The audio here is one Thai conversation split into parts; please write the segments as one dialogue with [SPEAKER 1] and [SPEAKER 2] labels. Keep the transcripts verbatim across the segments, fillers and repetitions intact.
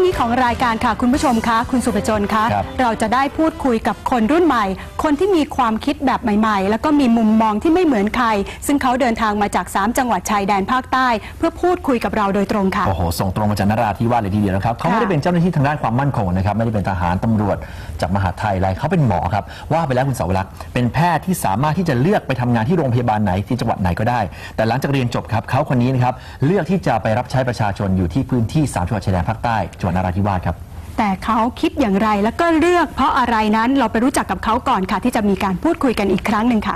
[SPEAKER 1] นี้ของรายการค่ะคุณผู้ชมคะคุณสุภจนคะเราจะได้พูดคุยกับคนรุ่นใหม่คนที่มีความคิดแบบใหม่ๆแล้วก็มีมุมมองที่ไม่เหมือนใครซึ่งเขาเดินทางมาจากสามจังหวัดชายแดนภาคใต้เพื่อพูดคุยกับเราโดยตรงค่ะ
[SPEAKER 2] โอ้โหส่งตรงมาจากนราธิวาสเลยทีเดียวนะครับเขาไม่ได้เป็นเจ้าหน้าที่ทางด้านความมั่นคงนะครับไม่ได้เป็นทหารตำรวจจากมหาดไทยอะไรเขาเป็นหมอครับว่าไปแล้วคุณเสาวรักษ์เป็นแพทย์ที่สามารถที่จะเลือกไปทำงานที่โรงพยาบาลไหนที่จังหวัดไหนก็ได้แต่หลังจากเรียนจบครับเขาคนนี้นะครับเลือกที่จะไปรับใช้ประชาชนอยู่ที่พื้นที่สามจังหวัดชายแดนภาคใต้จังหวัดนราธิวาสครับ
[SPEAKER 1] แต่เขาคิดอย่างไรแล้วก็เลือกเพราะอะไรนั้นเราไปรู้จักกับเขาก่อนค่ะที่จะมีการพูดคุยกันอีกครั้งหนึ่งค่ะ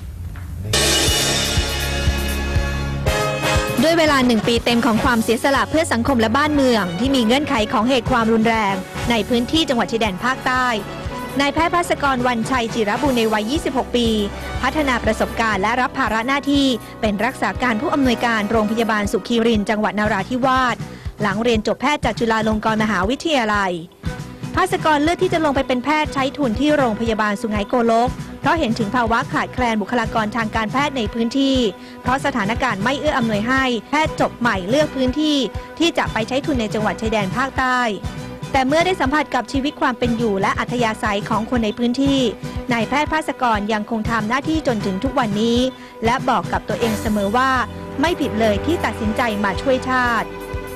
[SPEAKER 3] ด้วยเวลาหนึ่งปีเต็มของความเสียสละเพื่อสังคมและบ้านเมืองที่มีเงื่อนไขของเหตุความรุนแรงในพื้นที่จังหวัดชายแดนภาคใต้นายแพทย์ภาสกรวรรณชัยจิรบุญในวัยยี่สิบหกปีพัฒนาประสบการณ์และรับภาระหน้าที่เป็นรักษาการผู้อำนวยการโรงพยาบาลสุขีรินทร์จังหวัดนราธิวาสหลังเรียนจบแพทย์จากจุฬาลงกรณ์มหาวิทยาลัยภาสกรเลือกที่จะลงไปเป็นแพทย์ใช้ทุนที่โรงพยาบาลสุไหงโกลกเพราะเห็นถึงภาวะขาดแคลนบุคลากรทางการแพทย์ในพื้นที่เพราะสถานการณ์ไม่เอื้ออำนวยให้แพทย์จบใหม่เลือกพื้นที่ที่จะไปใช้ทุนในจังหวัดชายแดนภาคใต้แต่เมื่อได้สัมผัสกับชีวิตความเป็นอยู่และอัธยาศัยของคนในพื้นที่นายแพทย์ภาสกรยังคงทำหน้าที่จนถึงทุกวันนี้และบอกกับตัวเองเสมอว่าไม่ผิดเลยที่ตัดสินใจมาช่วยชาติ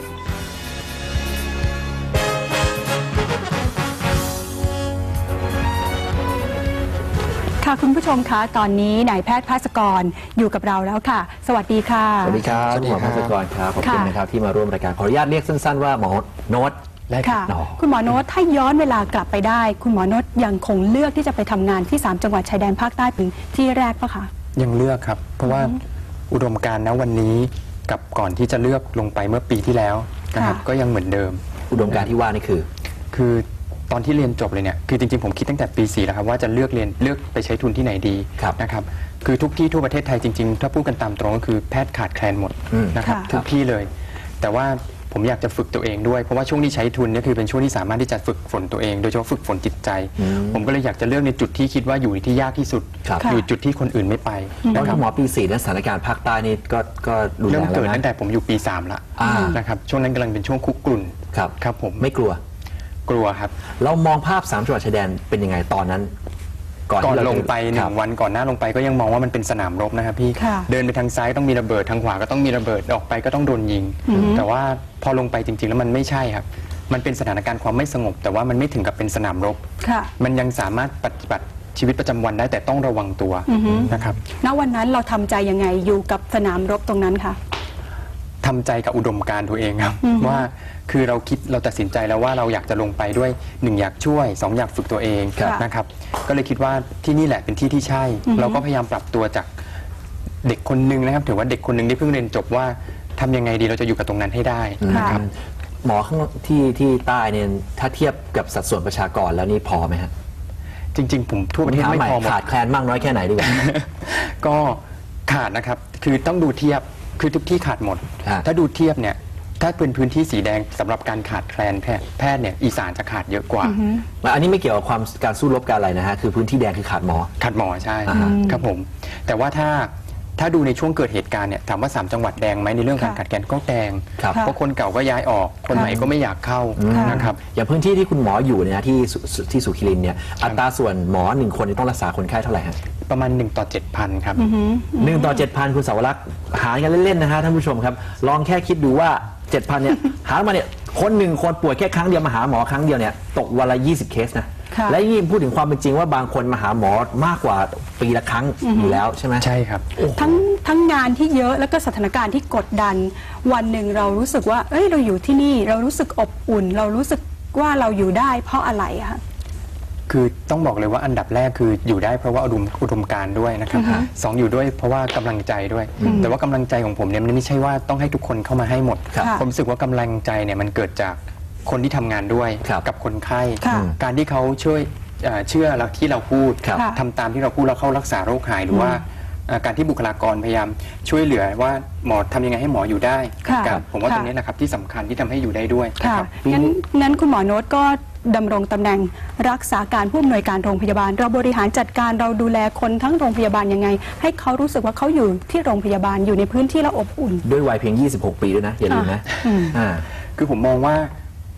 [SPEAKER 1] ค่ะคุณผู้ชมคะตอนนี้นายแพทย์ภาสกรอยู่กับเราแล้วค่ะสวัสดีค่ะ
[SPEAKER 2] สวัสดีครับคุณหมอภาสกรครับขอบคุณนะครับที่มาร่วมรายการขออนุญาตเรียกสั้นๆว่าหมอโน้ตได้ค่ะ
[SPEAKER 1] คุณหมอโน้ตถ้าย้อนเวลากลับไปได้คุณหมอโน้ตยังคงเลือกที่จะไปทำงานที่สามจังหวัดชายแดนภาคใต้เป็นที่แรกปะคะ
[SPEAKER 4] ยังเลือกครับเพราะว่าอุดมการณ์ณวันนี้กับก่อนที่จะเลือกลงไปเมื่อปีที่แล้วนะครับก็ยังเหมือนเดิม
[SPEAKER 2] อุดมการณ์ที่ว่านี่คือ
[SPEAKER 4] คือตอนที่เรียนจบเลยเนี่ยคือจริงๆผมคิดตั้งแต่ปีสี่แล้วครับว่าจะเลือกเรียนเลือกไปใช้ทุนที่ไหนดีนะครับคือทุกที่ทั่วประเทศไทยจริงๆถ้าพูดกันตามตรงก็คือแพทย์ขาดแคลนหมดนะครับทุกที่เลยแต่ว่าผมอยากจะฝึกตัวเองด้วยเพราะว่าช่วงที่ใช้ทุนนี่คือเป็นช่วงที่สามารถที่จะฝึกฝนตัวเองโดยเฉพาะฝึกฝนจิตใจผมก็เลยอยากจะเลือกในจุดที่คิดว่าอยู่ที่ยากที่สุดอยู่จุดที่คนอื่นไม่ไป
[SPEAKER 2] แล้วหมอปีสี่นั้นสถานการณ์ภาคใต้นี่ก็ก็
[SPEAKER 4] เริ่มเกิดตั้งแต่ผมอยู่ปีสามละนะครับช่วงนั้นกำลังเป็นช่วงคุกกรุ่น
[SPEAKER 2] ครับ
[SPEAKER 4] ครับผม
[SPEAKER 2] ไม่กลัว
[SPEAKER 4] กลัวครับ
[SPEAKER 2] เรามองภาพสามจังหวัดชายแดนเป็นยังไงตอนนั้น
[SPEAKER 4] ก่อนลงไปหนึ่งวันก่อนหน้าลงไปก็ยังมองว่ามันเป็นสนามรบนะครับพี่เดินไปทางซ้ายต้องมีระเบิดทางขวาก็ต้องมีระเบิดออกไปก็ต้องโดนยิงแต่ว่าพอลงไปจริงๆแล้วมันไม่ใช่ครับมันเป็นสถานการณ์ความไม่สงบแต่ว่ามันไม่ถึงกับเป็นสนามรบมันยังสามารถปฏิบัติชีวิตประจำวันได้แต่ต้องระวังตัวนะครับ
[SPEAKER 1] ณวันนั้นเราทำใจยังไงอยู่กับสนามรบตรงนั้นค่ะ
[SPEAKER 4] ทำใจกับอุดมการณ์ตัวเองครับว่าคือเราคิดเราตัดสินใจแล้วว่าเราอยากจะลงไปด้วยหนึ่งอยากช่วยสองอยากฝึกตัวเองนะครับก็เลยคิดว่าที่นี่แหละเป็นที่ที่ใช่เราก็พยายามปรับตัวจากเด็กคนนึงนะครับถือว่าเด็กคนนึงที่เพิ่งเรียนจบว่าทำยังไงดีเราจะอยู่กับตรงนั้นให้ได้นะครับ
[SPEAKER 2] หมอข้างที่ที่ใต้เนี่ยถ้าเทียบกับสัดส่วนประชากรแล้วนี่พอไหมฮะ
[SPEAKER 4] จริงๆผมทั่วประเทศไม่พอ
[SPEAKER 2] ขาดแคลนมากน้อยแค่ไหนดีกว่า
[SPEAKER 4] ก็ขาดนะครับคือต้องดูเทียบคือทุกที่ขาดหมดถ้าดูเทียบเนี่ยถ้าเป็นพื้นที่สีแดงสำหรับการขาดแคลนแพทย์แพทย์เนี่ยอีสานจะขาดเยอะกว่า
[SPEAKER 2] อันนี้ไม่เกี่ยวกับความการสู้รบการอะไรนะฮะคือพื้นที่แดงคือขาดหมอ
[SPEAKER 4] ขาดหมอใช่ครับผมแต่ว่าถ้าถ้าดูในช่วงเกิดเหตุการณ์เนี่ยถามว่าสามจังหวัดแดงไหมในเรื่องการขาดแคลนก็แดงเพราะคนเก่าก็ย้ายออกคนใหม่ก็ไม่อยากเข้านะครับ
[SPEAKER 2] อย่างพื้นที่ที่คุณหมออยู่เนี่ยที่ที่สุขีรินเนี่ยอัตราส่วนหมอหนึ่งคนต้องรักษาคนไข้เท่าไหร่ฮะ
[SPEAKER 4] ประมาณหนึ่งต่อเจ็ดพันครับ
[SPEAKER 2] หนึ่งต่อเจ็ดพันคุณเสาวรักษ์หารกันเล่นๆนะฮะท่านผู้ชมครับลองแค่คิดดูว่าเจ็ดพันเนี่ยหามาเนี่ยคนหนึ่งคนป่วยแค่ครั้งเดียวมาหาหมอครั้งเดียวเนี่ยตกวันละยี่สิบเคสนะและยิ่งพูดถึงความเป็นจริงว่าบางคนมาหาหมอมากกว่าปีละครั้งอยู่แล้วใช่ไหม
[SPEAKER 4] ใช่ครับ
[SPEAKER 1] ทั้งทั้งงานที่เยอะแล้วก็สถานการณ์ที่กดดันวันหนึ่งเรารู้สึกว่าเอ้ยเราอยู่ที่นี่เรารู้สึกอบอุ่นเรารู้สึกว่าเราอยู่ได้เพราะอะไรอะคะ
[SPEAKER 4] คือต้องบอกเลยว่าอันดับแรกคืออยู่ได้เพราะว่าอุดมอุดมการณ์ด้วยนะครับสองอยู่ด้วยเพราะว่ากำลังใจด้วยแต่ว่ากำลังใจของผมเนี่ยมันไม่ใช่ว่าต้องให้ทุกคนเข้ามาให้หมดผมรู้สึกว่ากำลังใจเนี่ยมันเกิดจากคนที่ทำงานด้วยกับคนไข้การที่เขาช่วยเชื่อเราที่เราพูดทำตามที่เราพูดแล้วเข้ารักษาโรคหายหรือว่าการที่บุคลากรพยายามช่วยเหลือว่าหมอทำยังไงให้หมออยู่ได้ผมว่าตรงนี้นะครับที่สำคัญที่ทำให้อยู่ได้ด้วย
[SPEAKER 1] ครับงั้นงั้นคุณหมอโน้ตก็ดำรงตำแหน่งรักษาการผู้อำนวยการโรงพยาบาลเราบริหารจัดการเราดูแลคนทั้งโรงพยาบาลยังไงให้เขารู้สึกว่าเขาอยู่ที่โรงพยาบาลอยู่ในพื้นที่และอบอุ่น
[SPEAKER 2] ด้วยวัยเพียงยี่สิบหกปีด้วยนะอย่าลืมนะ
[SPEAKER 4] คือผมมองว่า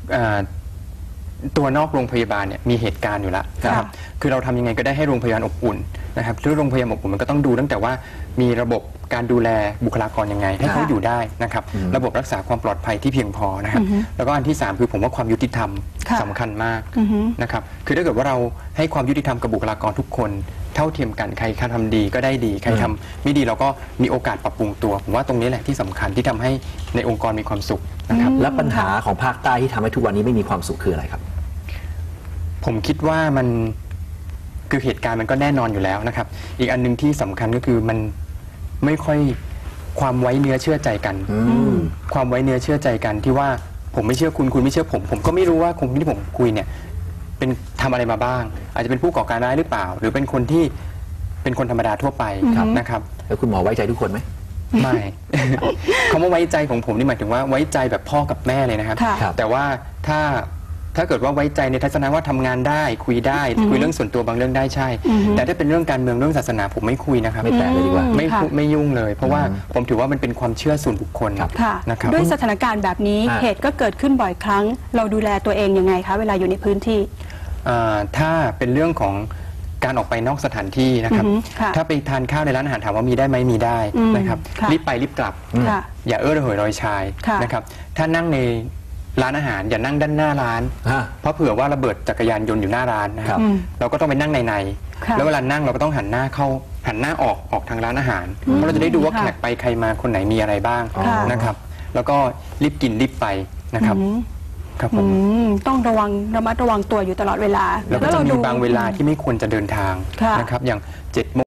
[SPEAKER 4] อ่าตัวนอกโรงพยาบาลเนี่ยมีเหตุการณ์อยู่แล้วนะครับคือเราทำยังไงก็ได้ให้โรงพยาบาลอบอุ่นนะครับที่โรงพยาบาลอบอุ่นมันก็ต้องดูตั้งแต่ว่ามีระบบการดูแลบุคลากรยังไงให้เขาอยู่ได้นะครับระบบรักษาความปลอดภัยที่เพียงพอนะครับแล้วก็อันที่สามคือผมว่าความยุติธรรมสำคัญมากนะครับคือถ้าเกิดว่าเราให้ความยุติธรรมกับบุคลากรทุกคนเท่าเทียมกันใครทำดีก็ได้ดีใครทำไม่ดีเราก็มีโอกาสปรับปรุงตัวผมว่าตรงนี้แหละที่สำคัญที่ทำให้ในองค์กรมีความสุขนะครับ
[SPEAKER 2] และปัญหาของภาคใต้ที่ทำให้ทุกวันนี้ไม่มีความสุขคืออะไรครับ
[SPEAKER 4] ผมคิดว่ามันคือเหตุการณ์มันก็แน่นอนอยู่แล้วนะครับอีกอันนึงที่สำคัญก็คือมันไม่ค่อยความไว้เนื้อเชื่อใจกันความไว้เนื้อเชื่อใจกันที่ว่าผมไม่เชื่อคุณคุณไม่เชื่อผมผมก็ไม่รู้ว่าคนที่ผมคุยเนี่ยเป็นทำอะไรมาบ้างอาจจะเป็นผู้ก่อการร้ายหรือเปล่าหรือเป็นคนที่เป็นคนธรรมดาทั่วไปนะครับ
[SPEAKER 2] แล้วคุณหมอไว้ใจทุกคนไหม
[SPEAKER 4] ไม่ คำว่าไว้ใจของผมนี่หมายถึงว่าไว้ใจแบบพ่อกับแม่เลยนะครับแต่ว่าถ้าถ้าเกิดว่าไว้ใจในทัศนะว่าทำงานได้คุยได้คุยเรื่องส่วนตัวบางเรื่องได้ใช่แต่ถ้าเป็นเรื่องการเมืองเรื่องศาสนาผมไม่คุยนะครับ
[SPEAKER 2] ไม่แตะเลยดีกว่า
[SPEAKER 4] ไม่ไม่ยุ่งเลยเพราะว่าผมถือว่ามันเป็นความเชื่อส่วนบุคคล
[SPEAKER 1] นะครับด้วยสถานการณ์แบบนี้เหตุก็เกิดขึ้นบ่อยครั้งเราดูแลตัวเองยังไงคะเวลาอยู่ในพื้นที่
[SPEAKER 4] ถ้าเป็นเรื่องของการออกไปนอกสถานที่นะครับถ้าไปทานข้าวในร้านอาหารถามว่ามีได้ไหมมีได้นะครับรีบไปรีบกลับอย่าเอ้อระเหยรอยชายนะครับถ้านั่งในร้านอาหารอย่านั่งด้านหน้าร้านเพราะเผื่อว่าระเบิดจักรยานยนต์อยู่หน้าร้านนะครับเราก็ต้องไปนั่งในในแล้วเวลานั่งเราก็ต้องหันหน้าเข้าหันหน้าออกออกทางร้านอาหารเพราะเราจะได้ดูว่าแขกไปใครมาคนไหนมีอะไรบ้างนะครับแล้วก็รีบกินรีบไปนะครับครับผม
[SPEAKER 1] ต้องระวังระมัดระวังตัวอยู่ตลอดเวลา
[SPEAKER 4] แล้วก็จะมีบางเวลาที่ไม่ควรจะเดินทางนะครับอย่างเจ็ดโมง